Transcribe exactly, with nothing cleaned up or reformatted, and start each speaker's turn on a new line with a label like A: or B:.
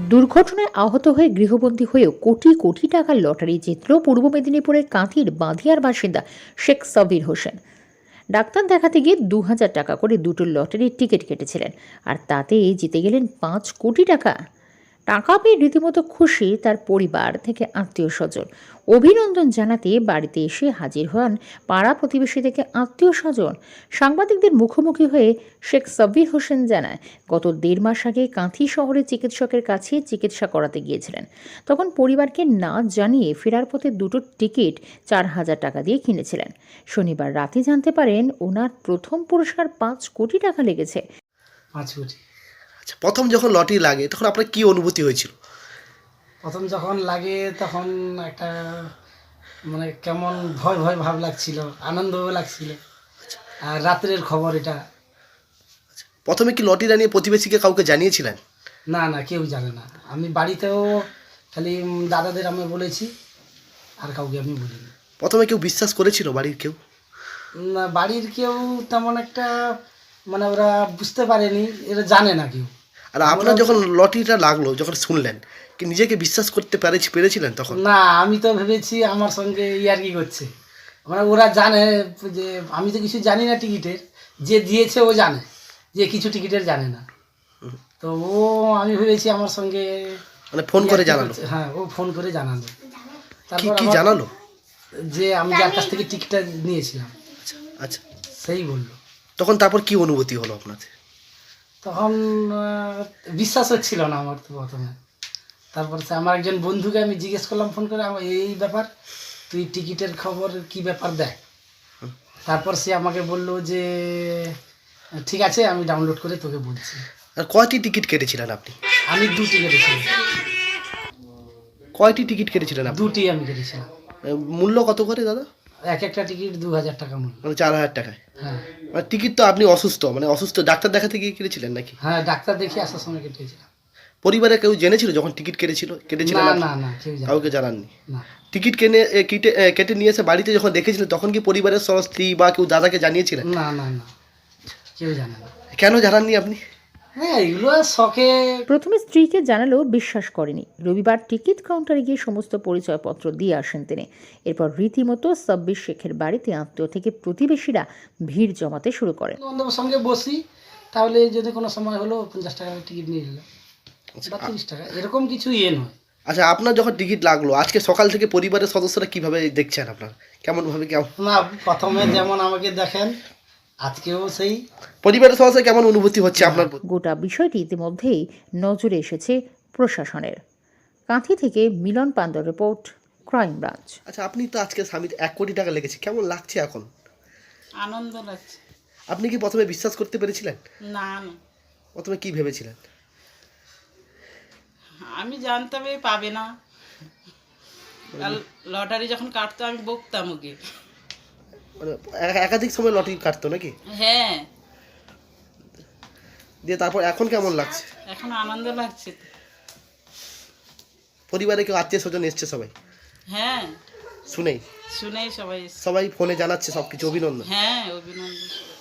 A: দুর্ঘটনায় আহত হয়ে গৃহবন্দী হয়েও কোটি কোটি টাকার লটারি জিতল পূর্ব মেদিনীপুরের কাঁথির বাঁধিয়ার বাসিন্দা শেখ সাবির হোসেন। ডাক্তার দেখাতে গিয়ে দু হাজার টাকা করে দুটো লটারির টিকিট কেটেছিলেন, আর তাতেই জিতে গেলেন পাঁচ কোটি টাকা। টাকা পেয়ে রীতিমতো খুশি তার পরিবার থেকে আত্মীয় স্বজন। অভিনন্দন জানাতে বাড়িতে এসে হাজির হন পাড়া প্রতিবেশী থেকে আত্মীয় স্বজন। সাংবাদিকদের মুখোমুখি হয়ে শেখ সাব্বির হোসেন জানায়, গত দেড় মাস আগে কাঁথি শহরে চিকিৎসকের কাছে চিকিৎসা করাতে গিয়েছিলেন। তখন পরিবারকে না জানিয়ে ফেরার পথে দুটো টিকিট চার হাজার টাকা দিয়ে কিনেছিলেন। শনিবার রাতে জানতে পারেন ওনার প্রথম পুরস্কার পাঁচ কোটি টাকা লেগেছে।
B: পাঁচ কোটি।
C: আচ্ছা, প্রথম যখন লটারি লাগে তখন আপনার কি অনুভূতি হয়েছিল?
B: প্রথম যখন লাগে তখন একটা মানে কেমন ভয় ভয় ভাব লাগছিল, আনন্দও লাগছিল। আর রাত্রের খবর এটা।
C: প্রথমে কি লটারি নিয়ে প্রতিবেশীকে কাউকে জানিয়েছিলেন?
B: না না, কেউ জানে না। আমি বাড়িতেও খালি দাদাদের আমি বলেছি, আর কাউকে আমি বলিনি।
C: প্রথমে কেউ বিশ্বাস করেছিল বাড়ির কেউ?
B: না, বাড়ির কেউ তেমন একটা মানে ওরা বুঝতে পারেনি, এরা জানে না কেউ।
C: আর আপনার যখন লটারিটা লাগলো, যখন শুনলেন, কি নিজেকে বিশ্বাস করতে পেরেছি পেরেছিলেন তখন?
B: না, আমি তো ভেবেছি আমার সঙ্গে ইয়ার্কি করছে। মানে ওরা জানে যে আমি তো কিছু জানি না টিকিটের, যে দিয়েছে ও জানে, যে কিছু টিকিটের জানে না। তো ও আমি ভেবেছি আমার সঙ্গে
C: মানে ফোন করে জানালো?
B: হ্যাঁ, ও ফোন করে জানালো।
C: কি
B: তারপর
C: কি
B: আমার-
C: জানালো?
B: যে আমি যার কাছ থেকে টিকিটটা নিয়েছিলাম
C: আচ্ছা,
B: সেই বললো।
C: তখন তারপর কি অনুভূতি হলো আপনার?
B: তখন আহ, বিশ্বাস হচ্ছিল না আমার তো প্রথমে। তারপর সে আমার একজন বন্ধুকে আমি জিজ্ঞেস করলাম ফোন করে, আমার এই ব্যাপার, তুই টিকিটের খবর কি ব্যাপার দেখ। তারপর সে আমাকে বললো যে ঠিক আছে, আমি ডাউনলোড করে তোকে বলছি।
C: আর কয়টি টিকিট কেটেছিলেন আপনি?
B: আমি দুটি কেটেছিলাম।
C: কয়টি টিকিট কেটেছিলেন আপনি?
B: দুটি আমি কেটেছিলাম।
C: আহ, মূল্য কত করে দাদা?
B: এক একটা টিকিট দু হাজার টাকা মূল্য।
C: মানে চার হাজার টাকায়?
B: হ্যাঁ
C: মানে টিকিট তো আপনি অসুস্থ, মানে অসুস্থ ডাক্তার দেখাতে গিয়ে কেটেছিলেন নাকি?
B: হ্যাঁ, ডাক্তার দেখে আসার সময় কেটেছিলাম।
C: পরিবারে কেউ জেনেছিল যখন টিকিট কেটেছিল কেটেছিলেন
B: না
C: আপনি?
B: না না, কেউ জানে না।
C: কাউকে জানাননি?
B: না
C: টিকিট কেনে এ, কেটে এ, কেটে নিয়ে এসে বাড়িতে যখন দেখেছিলেন তখন কি পরিবারের সব স্ত্রী বা কেউ দাদাকে জানিয়েছিলেন?
B: না না না, কেউ জানে না।
C: কেন জানাননি আপনি?
B: হ্যাঁ, এগুলো শখে।
A: প্রথমে স্ত্রীকে জানালেও বিশ্বাস করেনি। রবিবার টিকিট কাউন্টারে গিয়ে সমস্ত পরিচয়পত্র দিয়ে আসেন তিনি। এরপর রীতিমতো সাব্বির শেখের বাড়িতে আত্মীয় থেকে প্রতিবেশীরা ভিড় জমাতে শুরু করেন।
B: বন্ধুদের সঙ্গে বসি, তাহলে যদি কোনো সময় হলো পঞ্চাশ টাকা টিকিট নিয়ে নিলাম বা তিরিশ টাকা, এরকম কিছু ইয়ে নয়।
C: আচ্ছা, আপনার যখন টিকিট লাগলো আজকে সকাল থেকে পরিবারের সদস্যরা কিভাবে দেখছেন আপনার? কেমন ভাবে কেমন
B: না, প্রথমে যেমন আমাকে দেখেন, আজকেও সেই।
C: পরিবারের সদস্য কেমন অনুভূতি হচ্ছে আপনার?
A: গোটা বিষয়টি ইতিমধ্যেই নজরে এসেছে প্রশাসনের। কাঁথি থেকে মিলন পান্ডার রিপোর্ট, ক্রাইম ব্রাঞ্চ।
C: আচ্ছা, আপনি তো আজকে স্বামীর এক কোটি টাকা লেগেছে, কেমন লাগছে এখন?
D: আনন্দ লাগছে।
C: আপনি কি প্রথমে বিশ্বাস করতে পেরেছিলেন?
D: না না,
C: প্রথমে কি ভেবেছিলেন?
D: আমি জানতাম এই পাবে না। আর লটারি যখন কাটতো আমি বকতাম ওকে।
C: মানে এ- একাধিক সময় লটারি কাটতো নাকি?
D: হ্যাঁ,
C: দিয়ে তারপর এখন কেমন লাগছে?
D: এখন আনন্দ লাগছে।
C: পরিবারে কেউ আত্মীয় স্বজন এসছে সবাই
D: হ্যাঁ,
C: শুনেই?
D: শুনেই সবাই এসছে।
C: সবাই ফোনে জানাচ্ছে সব কিছু, অভিনন্দন।
D: হ্যাঁ, অভিনন্দন।